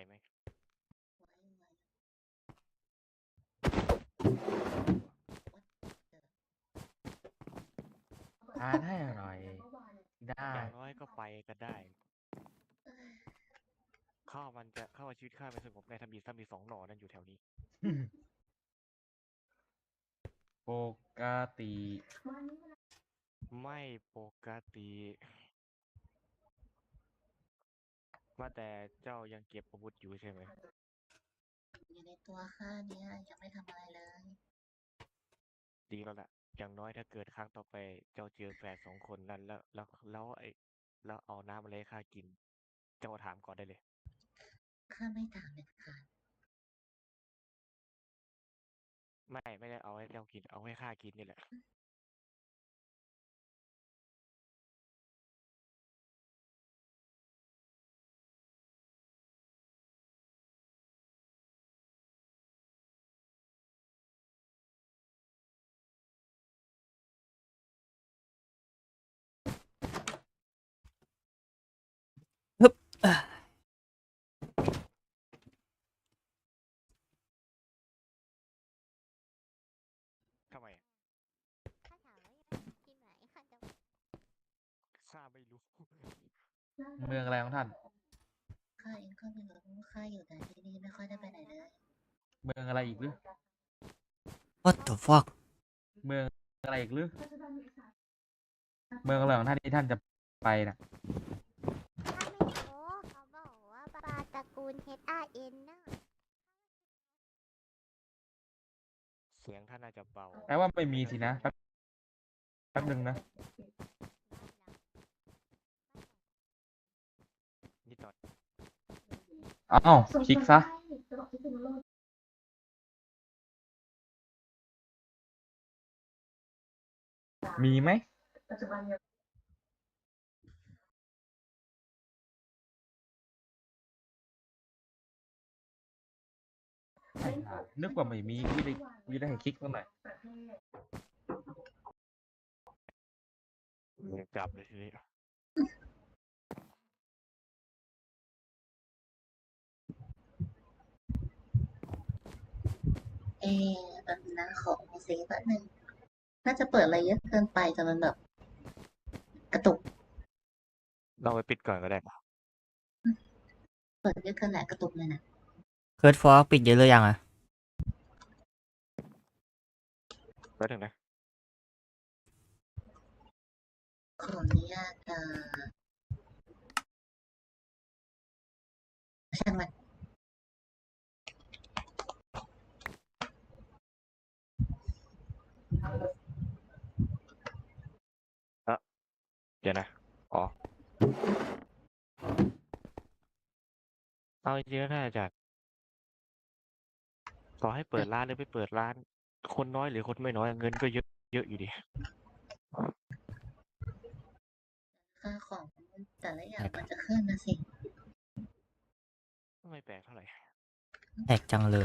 ไหมทานให้อร่อยได้อย่างน้อยก็ไปกันได้ข้าวชีวิตข้าไม่สงบในถ้ามีสองหน่อนั่นอยู่แถวนี้ปกติไม่ปกติว่าแต่เจ้ายังเก็บอาวุธอยู่ใช่ไหมอยู่ในตัวข้าเนี่ยยังไม่ทำอะไรเลยดีแล้วล่ะอย่างน้อยถ้าเกิดครั้งต่อไปเจ้าเจอแฝดสองคนนั้นแล้วเอาน้ำอะไรให้ข้ากินเจ้าถามก่อนได้เลยข้าไม่ถามเด็ดขาดไม่ได้เอาให้เจ้ากินเอาให้ข้ากินนี่แหละฮึบทำไมถ้าถามว่าอยากที่ไหนข้าจะข้าไม่รู้เมืองอะไรของท่านข้าเองก็ไม่รู้ข้าอยู่แต่ที่นี่ไม่ค่อยได้ไปไหนเลยเมืองอะไรอีกหรือ what the fuck เมืองอะไรอีกหรือเมืองอะไรของท่านที่ท่านจะไปนะข้าไม่รู้เขาบอกว่าปลาตระกูล HRN น่ะเสียงท่านน่าจะเบาแปลว่าไม่มีสินะแป๊บหนึ่งนะนิดหน่อยอ้าวคลิกซะมีไหมไม่น่านึกว่าไม่มีวิธีให้คลิกตรงไหนอยยังจับเลยทีนี้เอแบบนะขอเซฟแบบนึงน่าจะเปิดอะไรเยอะเกินไปจนมันแบบกระตุกเราไปปิดก่อนก็ได้เปิดเยอะเกินแหละกระตุกเลยนะเคิร์ดฟอกปิดเยอะหรือยังอ่ะแป๊บนึงนะขออนุญาตช่างมันเดี๋ยวนะอ๋อเอาจริงๆแล้วน่าจะต่อให้เปิดร้านหรือไม่เปิดร้าน คนน้อยหรือคนไม่น้อยเงินก็เยอะเยอะอยู่ดีค่าของแต่ละอย่างมันจะขึ้นนะสิไม่แปลกเท่าไหร่แอกจังเลย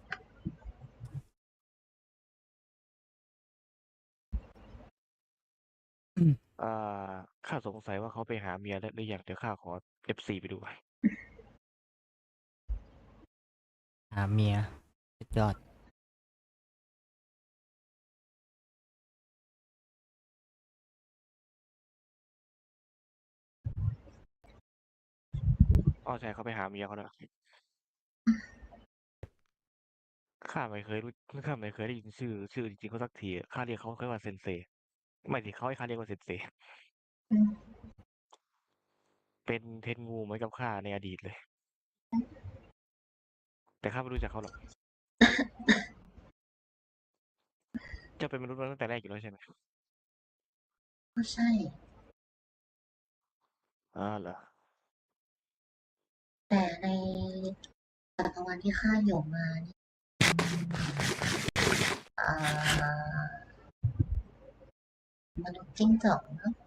อ่าข้าสงสัยว่าเขาไปหาเมียแล้วหรือยังเดี๋ยวข้าขอ F4 ไปดูหาเมียสุดยอดอ๋อใช่เขาไปหาเมียเขาแล้วข้าไม่เคยรู้ข้าไม่เคยได้ยินชื่อจริงๆเขาสักทีข้าเรียกเขาแค่ว่าเซนเซไม่สิเขาให้ข้าเรียกว่าเซนเซอืมเป็นเทนงูเหมือนกับข้าในอดีตเลย แต่ข้าไม่รู้จักเขาหรอกเจ้าเป็นมนุษย์มาตั้งแต่แรกอยู่แล้วใช่ไหมก็ใช่เหรอแต่ในจักรวาลที่ข้าอยู่มานี่อ่ามนุษย์จิ้งจอกเนอะ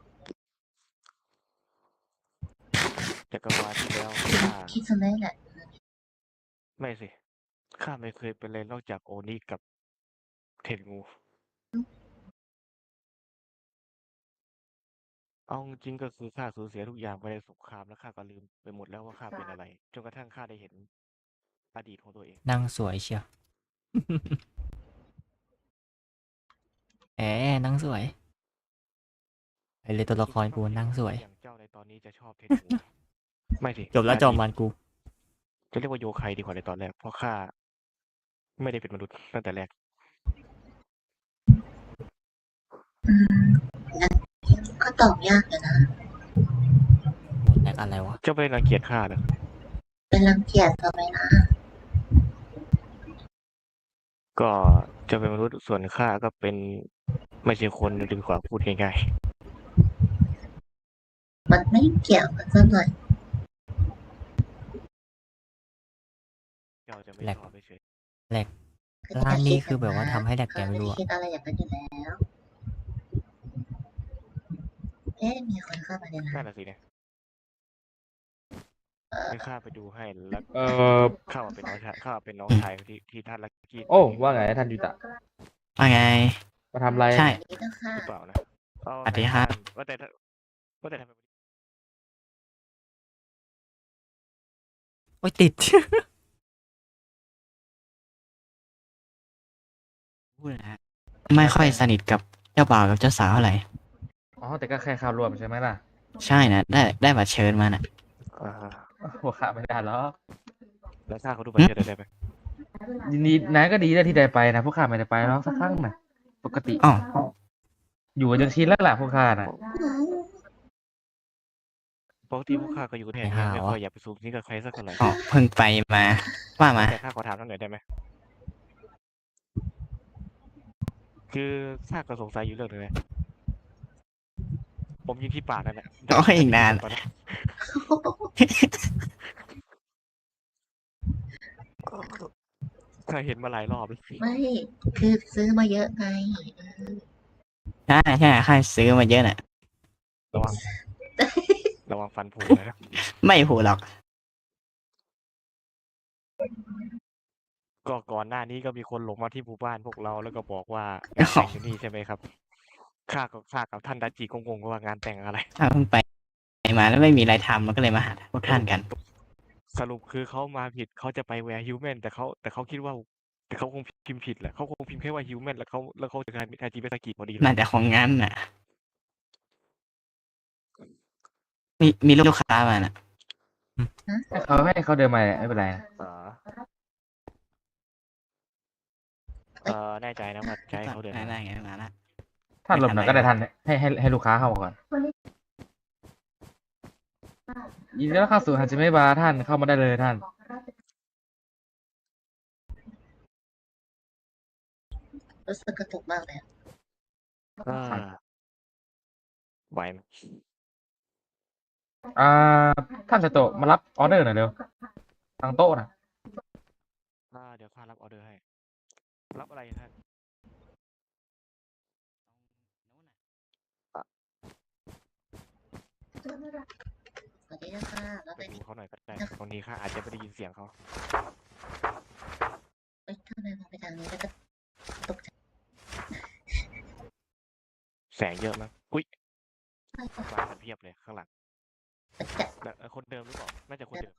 จักรวาลที่แล้วคิดข้าคิดซะได้แหละไม่สิข้าไม่เคยเป็นเลยนอกจากโอนิกับเทนงูเอาจริงๆก็คือข้าสูญเสียทุกอย่างไปในสงครามแล้วข้าก็ลืมไปหมดแล้วว่าข้าเป็นอะไรจนกระทั่งข้าได้เห็นอดีตของตัวเองนั่งสวยเชียว แหมนั่งสวยไอเลยตัวละครกูนั่งสวยอย่างเจ้าในตอนนี้จะชอบเพชรหมูไม่สิจบแล้วจอมมันกูจะเรียกว่าโยไคดีกว่าในตอนแรกเพราะข้าไม่ได้เป็นมนุษย์ตั้งแต่แรกอืมงั้นก็ตอบยากเลยนะหมดแลกอะไรวะเจ้าไม่รังเกียจข้าเหรอเป็นรังเกียจทำไมนะก็เจะเป็นมนุษย์ส่วนข้าก็เป็นไม่ใช่คนดีกว่าพูดง่ายมันไม่เกี่ยวกันสักหน่อยๆเจ้าจะไม่แหลกชอบเฉยแลกคือร้านนี้คือจะแบบว่าดทำให้แลกนะแกไม่รู้อะคิดอะไรอย่างนั้นอยู่แล้ว เอ๊ะมีคนเข้ามาในๆร้านั่นนน่ะสิเนี่ยให้ข้าไปดูให้แล้วเออข้ามาเป็นน้องชายข้าเป็นน้องชายที่ท่านลักกี้โอ้ว่าไงท่านยูตะว่าไงมาทำอะไรใช่อันนี้ต้องค่ะหรือเปล่านะเอาสวัสดีครับว่าแต่ทำไมโอ้ยติด พูดนะฮะไม่ค่อยสนิทกับเจ้าบ่าวกับเจ้าสาวเท่าไหร่อ๋อแต่ก็แค่เข้ารวมใช่ไหมล่ะใช่นะได้บัตรเชิญมาน่ะอ่าหัวขาไม่ได้หรอกแล้วข้าเขาดูบัตรเชิญได้ไหมยินดีนายก็ดีแล้วที่ได้ไปนะพวกข้าไม่ได้ไปหรอกสักครั้งนะปกติอ๋ออยู่กันจนชินแล้วล่ะพวกข้าน่ะปกติพวกข้าก็อยู่แถวนี้ไม่ค่อยอยากไปสูงสิงกับใครสักเท่าไหร่อ๋อเพิ่งไปมา ว่ามาแต่ข้าขอถามท่านหน่อยได้ไหมคือข้าก็สงสัยอยู่เรื่องหนึงนะผมยิงที่ปากนั่นแหละโอ้ยอีกนานตอนนี้ข้าเห็นมาหลายรอบแล้วไม่ คือซื้อมาเยอะไงใช่ใช่ค่าซื้อมาเยอะน่ะระวัง ระวังฟันผุนะไม่ผูหรอกก็ก่อนหน้านี้ก็มีคนหลงมาที่หมู่บ้านพวกเราแล้วก็บอกว่างานแต่งอยู่นี่ใช่ไหมครับข้ากับท่านดัจจิงงๆว่างานแต่งอะไรถ้าเพิ่งไปมาแล้วไม่มีอะไรทำมันก็เลยมาหาพวกท่านกันสรุปคือเขามาผิดเขาจะไปแวร์ฮิวแมนแต่เขาคิดว่าแต่เขาคงพิมพ์ผิดแหละเขาคงพิมพ์แค่ว่าฮิวแมนแล้วเขาจะกลายเป็นอาจิเบสกิพอดีเลยน่าจะของงั้นน่ะ มีลูกค้ามาน่ะให้เขาเดินมาไม่เป็นไรนะอ๋อแน่ใจนะว่าจะให้เขาเดินมาได้ไงมาละท่านหลบหน่อยก็ได้ท่านให้ลูกค้าเข้ามาก่อนยินดีต้อนรับเข้าสู่ฮันจิเมะบาร์ท่านเข้ามาได้เลยท่านรู้สึกกระตุกมากเลยอะไหวไหมอ่าท่านสโตะมารับออเดอร์หน่อยเร็วทางโต๊ะนะเดี๋ยวข้ารับออเดอร์ให้ รับอะไรท่านสวัสดีค่ะแล้วไปไปดูเขาหน่อยก็ได้บางทีข้าอาจจะไม่ได้ยินเสียงเขาเอ้ยทำไมมองไปทางนี้แล้วก็ตกใจแสงเยอะมั้งอุ้ยใช่ค่ะมากันเพียบเลยข้างหลังจะแล้วคนเดิมหรือเปล่าน่าจะคนเดิม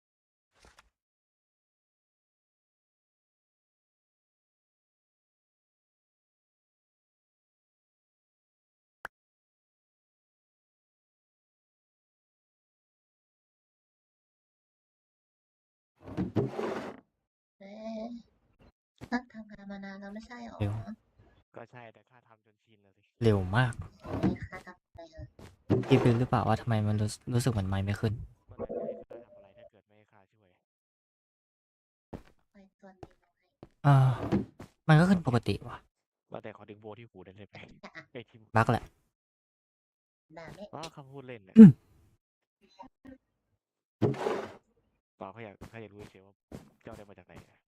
เอ๊ะท่านทำงานมานานแล้วไม่ใช่หรอเร็วก็ใช่แต่ข้าทำจนชินแล้วสิเร็วมากนี่ค่ะทำอะไรเหรอพี่รู้หรือเปล่าว่าทำไมมันรู้สึกเหมือนไม้ไม่ขึ้นมันไม่ได้ข้าทำอะไรถ้าเกิดไม่ให้ข้าช่วยไปส่วนนี้น้อยมันก็ขึ้นปกติว่ะเราแต่ขอดึงโบที่หูได้เลยไหมไอ้ที่บั๊กแหละด่าไม่เขาพูดเล่นเนี่ยอืมเปล่าเขาอยากรู้เฉยๆว่าเจ้าได้มาจากไหนเนี่ย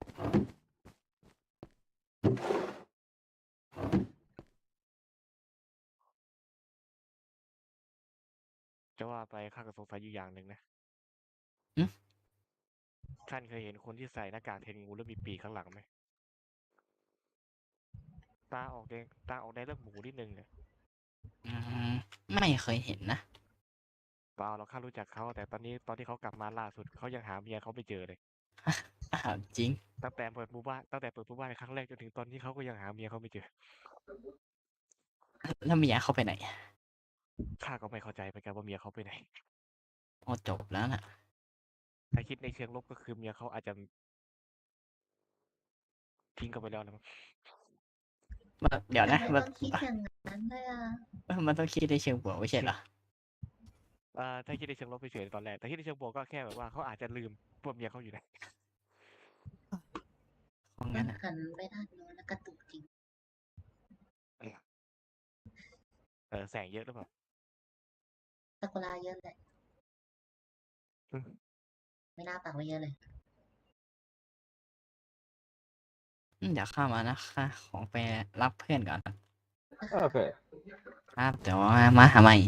จะว่าไปข้าก็สงสัยอยู่อย่างหนึ่งนะอืมท่านเคยเห็นคนที่ใส่หน้ากากเทนงูแล้วมีปีกข้างหลังไหมตาออกแดงเลือดหมูนิดนึงเนี่ยอืมไม่เคยเห็นนะเปล่าเราข้ารู้จักเขาแต่ตอนที่เขากลับมาล่าสุดเขายังหาเมียเขาไม่เจอเลยอ้าวจริงตั้งแต่เปิดหมู่บ้านครั้งแรกจนถึงตอนนี้เขาก็ยังหาเมียเขาไม่เจอแล้วเมียเขาไปไหนข้าก็ไม่เข้าใจเหมือนกันว่าเมียเขาไปไหนโอ้จบแล้วน่ะถ้าคิดในเชิงลบก็คือเมียเขาอาจจะทิ้งกันไปแล้วนะมั้งเดี๋ยวทำนะไมมันต้องคิดอย่างนั้นด้วยอ่ะมันต้องคิดในเชิงบวกไม่ใช่เหรอถ้าคิดในเชิงลบเฉยๆตอนแรกแต่คิดในเชิงบวกก็แค่แบบว่าเขาอาจจะลืมว่าเมียเขาอยู่ไหนเพราะมังั้นนอ่ะหันไปด้านโน้นแล้วกระตุกจริงแสงเยอะหรือเปล่าซากุระเยอะเลยอืมไม่น่าปักไว้เยอะเลยเดี๋ยวเข้ามานะค่ะของไปรับเพื่อนก่อนโอเคครับเดี๋ยวมาหาใหม่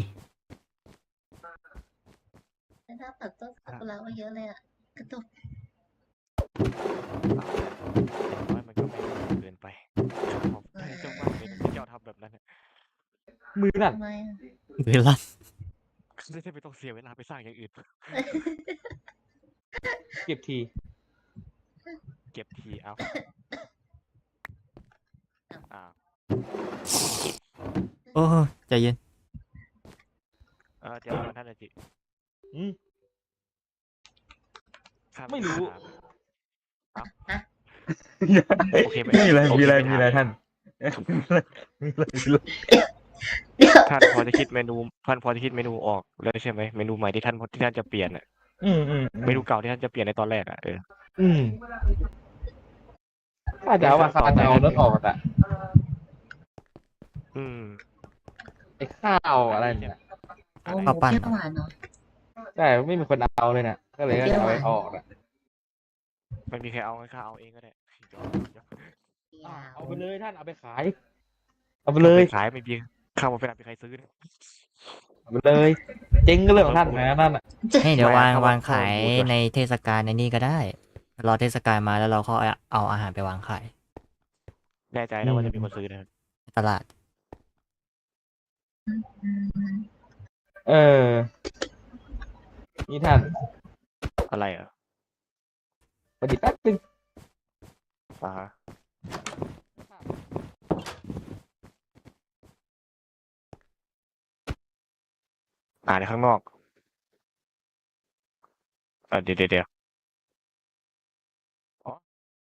ไม่น่าปักต้นซากุระไว้เยอะเลยอ่ะ กระตุกอย่างน้อยมันก็ไม่เกินไปเจ้าว่าเป็นเจ้าทำแบบนั้นน่ะมือนั่นทำไมอ่ะเวลาจะได้ไม่ต้องเสียเวลาไปสร้างอย่างอื่นเก็บทีเก็บทีเอาอ่าโอ้ใจเย็นเดี๋ยวก่อนท่านอาจิอืมข้าไม่รู้ถาม โอเคมีอะไรโอเคมีอะไรไม่มีอะไรถามท่านท่านพอจะคิดเมนูออกแล้วใช่ไหมเมนูใหม่ที่ท่านจะเปลี่ยนอ่ะอืมเมนูเก่าที่ท่านจะเปลี่ยนในตอนแรกอ่ะอืมข้าจะเอาว่าข้าจะเอารถออกอ่ะอืมไอ้ข้าวอะไรเนี่ยโอ้โหข้าวปั้นเปรี้ยวหวานเนาะใช่ไม่มีคนเอาเลยเนี่ยก็เลยจะเอาไปออกอ่ะไม่มีใครเอางั้นข้าเอาเองก็ได้เอาไปเลยท่านเอาไปขาย เอาไปเลยขายไม่มีข้าวมาเป็นใครซื้อเนี่ยเอาไปเลย เจ๊งก็เรื่องของท่านนะนั่นอ่ะให้เดี๋ยวไม่วางเขาวางเขาขายพูดด้วยในเทศกาลในนี่ก็ได้ รอเทศกาลมาแล้วเราก็เอาอาหารไปวางขายแน่ใจนะว่าจะมีคนซื้อนะครับในตลาดเออ นี่ท่านอะไรอ่ะปฏิแป๊บนึงอ่าฮะในข้างนอกเดี๋ยวอ๋อ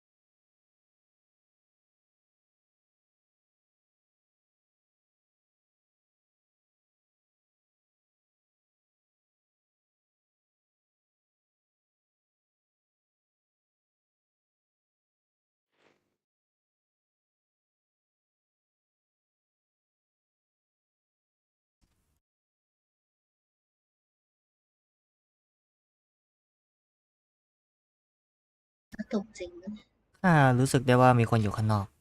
กระตุกจริงนะรู้สึกได้ว่ามีคนอยู่ข้างนอก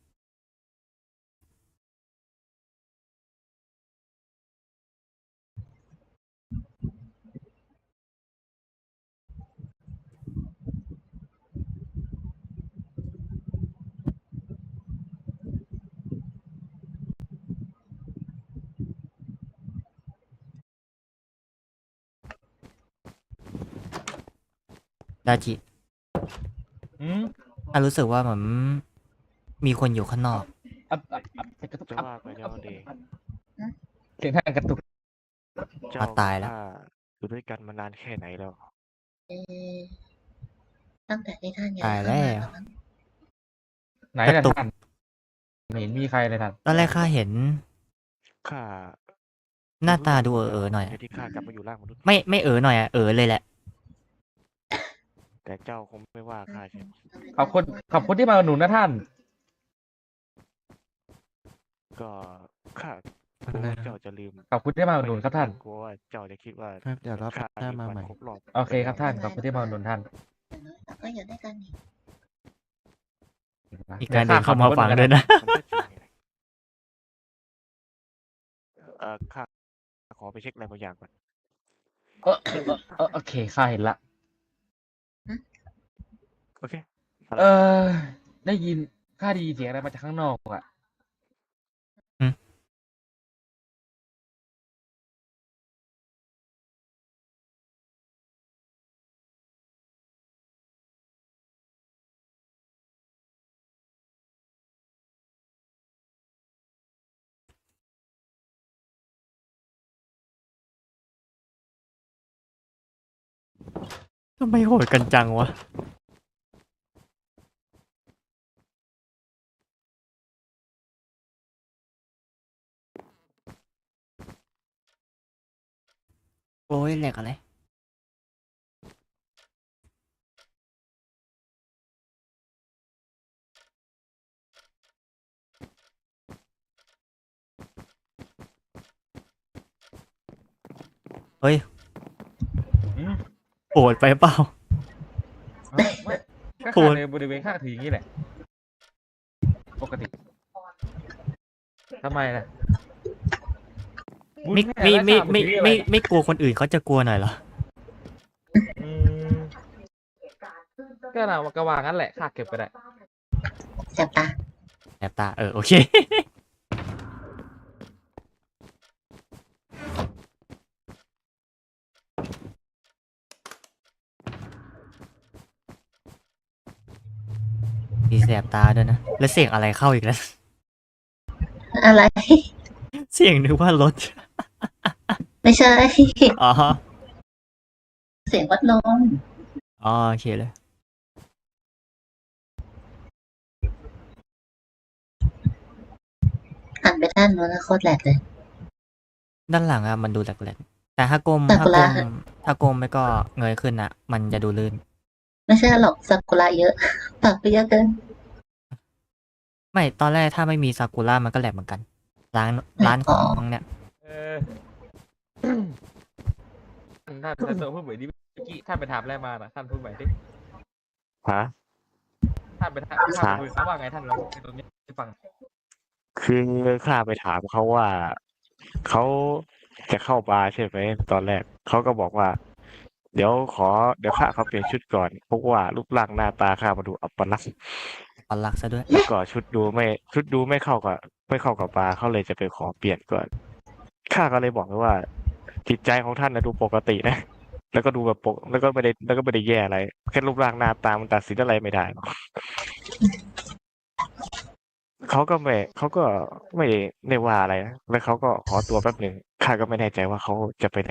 ดาจิอืมรู้สึกว่าเหมือนมีคนอยู่ข้างนอกกระตุกจะว่าไปแล้วเดย์เสียงท่านกระตุกเจ้าตายแล้วข้าอยู่ด้วยกันมานานแค่ไหนแล้วเอ๊ะตั้งแต่ที่ท่านย้าตาย ยเข้าแล้มาว แล้วมั้งไหนกล่ะระตุกท่านไม่เห็นมีใครเลยท่านตอนแรกข้าเห็นข้าหน้าตาดูหน่อยที่ข้ากลับมาอยู่ร่างมนุษย์ไม่หน่อยเลยแหละแต่เจ้าคงไม่ว่าข้าใช่ไหมขอบคุณที่มาอุดหนุนนะท่านก็ข้ากลัวว่าเจ้าจะลืมขอบคุณที่มาอุดหนุนครับท่านกลัวว่าเจ้าจะคิดว่าครับเดี๋ยวรอบข้าหน้าลืมาวันใหม่ครบรอบโอเคครับท่าน ขอบคุณที่มาอุดหนุนท่านอย่างน้อยเราก็อยู่ด้วยกันนี่มีการเดินเข้ามาฟังด้วยนะมันก็จริงไงข้าขอไปเช็คอะไรบางอย่างก่อนโอเคข้าเห็นละโอเคเออ ได้ยินข้าได้ยินเสียงอะไรมาจากข้างนอกอ่ะทำไมโหดกันจังวะ โอ้ยแหลกอะไร เฮ้ยอืมโหดไปเปล่าไม่ก็โหขาดในบริเวณข้างถืออย่างนี้แหละ ปกติทำไมล่ะไม่บุญไม่แม่ไม่ราชาไม่ถืออะรไม่กลัวคนอื่นเขาจะกลัวหน่อยเหรออืมก็เรากระวางงั้นแหละข้าเก็บไปได้แสบตาแอบตาโอเค มีแสบตาด้วยนะ แล้วเสียงอะไรเข้าอีกแล้วอะไรเสียงนึกว่ารถไม่ใช่อ๋อเสียงวัดลมอ๋อโอเคเลยหันไปด้านโน้นนะโคตรแหลกเลยด้านหลังอะมันดูแหลกๆแต่ถ้าก้มซาถ้ากุก้ระมถ้าก้มไม่ก็เงยขึ้นอะมันจะดูลื่นไม่ใช่หรอกซากุระเยอะ ปากไปเยอะเกินไม่ตอนแรกถ้าไม่มีซากุระมันก็แหลกเหมือนกัน ร้านของเนี่ยเออ ท่านท่านเซอร์พูดเหมือนที่เมื่อกี้ท่านไปถามอะไรมาน่ะท่านพูดใหม่ดิฮะท่านไปถามท่านไปคุยเขาว่าไงท่านเราในตรงนี้ที่ฟังคือข้าไปถามเขาว่าเขาจะเข้าบาร์ใช่ไหมตอนแรกเขาก็บอกว่า เดี๋ยวข้าเขาเปลี่ยนชุดก่อนเพราะว่ารูปร่างหน้าตาข้ามาดูอัปลักษณ์ปันหลักซะด้วยแล้วก็ชุดดูไม่เข้ากับบาร์เขาเลยจะไปขอเปลี่ยนก่อนข้าก็เลยบอกไปว่า จิตใจของท่านนะดูปกตินะ แล้วก็ดูแบบแล้วก็ไม่ได้แย่อะไรแค่รูปร่างหน้าตามันตัดสินอะไรไม่ได้หรอกเขาก็ไม่ได้ว่าอะไรนะแล้วเขาก็ขอตัวแป๊บหนึ่งข้าก็ไม่แน่ใจว่าเขาจะไปไหน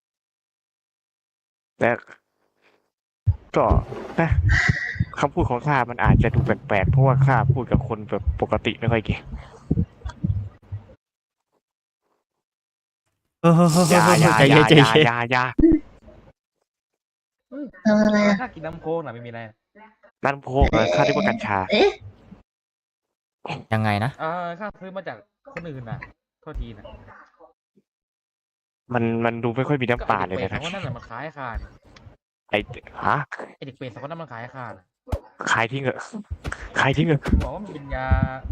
แต่ก็นะคำพูดของข้ามันอาจจะดูแปลกๆเพราะว่าข้าพูดกับคนแบบปกติไม่ค่อยเก่งเอออย่าใจเย็นใจเย็นอย่าทำอะไรอะถ้ากินน้ำโค้กน่ะไม่มีอะไรนั่นพวกข้าเรียกว่ากัญชาเอ๊ะยังไงนะข้าซื้อมาจากคนอื่นน่ะโทษทีนะมันดูไม่ค่อยมีน้ำตาลเลยก็นะไอ้เด็กเป็ดสองคนนั่นน่ะมันขายให้ข้าเนี่ยไอ้ฮะไอเด็กเป็ดสองคนนั้นมันขายให้ข้าน่ะขายทิ้งเหอะขายทิ้งเหอะบอกว่ามันเป็นยา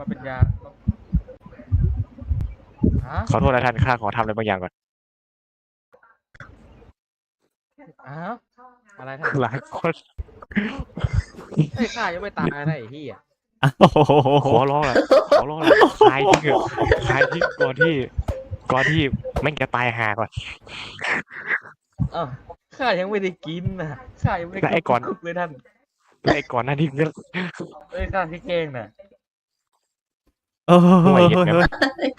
ฮะขอโทษนะท่านข้าขอทำอะไรบางอย่างก่อนอ้าวอะไรท่านหลายคนไอ้ยข้ายังไม่ตายนะไอ้ที่อ่ะโอ้โหขอร้องละขายทิ้งเหอะขายทิ้งก่อนที่แม่งจะตายห่าก่อนอ้าวข้ายังไม่ได้กินนะข้ายังไม่ได้แล้วไอ้ก่อนคุกเลยท่านแล้วไอ้ก่อนหน้านี้ก็เอ้ยข้าที่เก่งน่ะโอ้โหห่วยเห็นไหม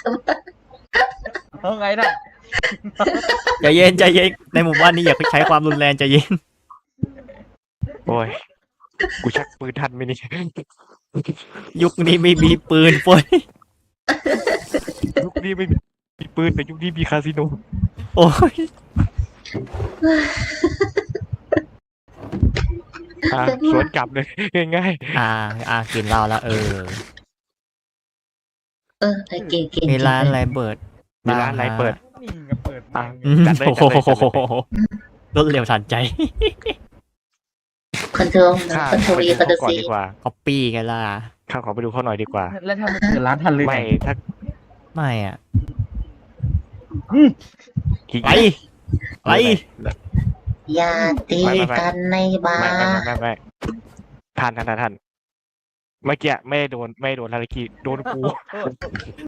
เอาไงน่ะใจเย็นใจเย็นในหมู่บ้านนี้อย่าใช้ความรุนแรงใจเย็นโอ้ยกูชักปืนทันไหมนี่ยุคนี้ไม่มีปืนป่วยยุคนี้ไม่มีปืนแต่ยุคนี้มีคาสิโนโอ้ยสวนกลับเลยง่ายกินเหล้าแล้วไอ้เก่งเก่งมีร้านอะไรเปิดๆมีร้านอะไรเปิดนี่ไงเปิดอ่ะอืมจัดเลยโอ้โหรวดเร็วทันใจคอนโทรลข้าคอนโทรไปลดูคอนโทรเขาก่อนซีดีกว่าก๊อปปี้กันล่ะข้าขอไปดูเขาหน่อยดีกว่าแล้วถ้ามันเปิดร้านทันเลยไม่ถ้าไม่อ่ะขี้ไปเกียจไปอย่าตีกันในบาไม่ร์ท่านเมื่อกี้ไม่โดนฮาริกิโดนกู